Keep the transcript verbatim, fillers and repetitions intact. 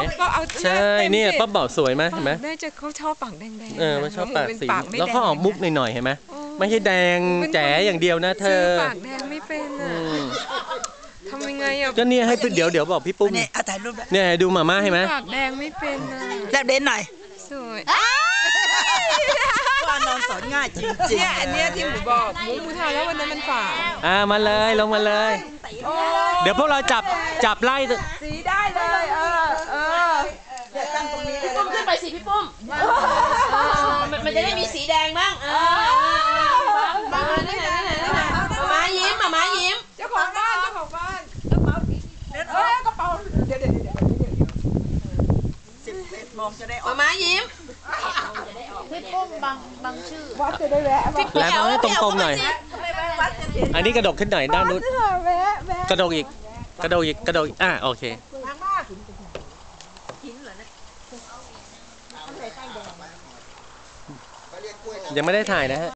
ก็เอาใช่เนี่ยป้าบอกสวยไหมเห็นไหมแม่จะเขาชอบปากแดงๆเออมันชอบปากสีปากไม่แล้วแดงก็ออกมุกหน่อยๆเห็นไหมไม่ใช่แดงแจ๋อย่างเดียวนะเธซื้ออปากแดงไม่เป็นอ่ะทำยังไงอ่ะก็เนี่ยให้เดี๋ยวเดี๋ยวบอกพี่ปุ้มเนี่ยเอาถ่ายรูปด้วยเนี่ยดูมาม่าเห็นไหมปากแดงไม่เป็นอ่ะแลบเด่นหน่อยสวยว่านอนสอนง่ายจริงๆเนี่ยอันเนี้ยที่หมูบอกหมูหมูทานแล้ววันนั้นมันฝาดอ่ามาเลยลงมาเลย เดี๋ยวพวกเราจับจับไล่สีได้เลยเออเออตั้งตรงนี้เลยปุ้มขึ้นไปสิพี่ปุ้มมันมันจะได้มีสีแดงบ้างเออมานี่ไหนนี่ไหนนี่ไหนมาม้ายิ้มมาม้ายิ้มเจ้าของบ้านเจ้าของบ้านกระเป๋าเออกระเป๋าเดี๋ยวเดี๋ยวเดี๋ยวสิบเอ็ดโมงจะได้ออมาก ม้ายิ้มพี่ปุ้มบางบางชื่อวัดจะได้แวะมาแล้วเอาให้ตรงๆหน่อย อันนี้กระดกขึ้นหน่อยด้านนู้นแวะแวะกระดกอีกกระดกอีกกระดกอีกอ่ะโอเคยังไม่ได้ถ่ายนะฮะ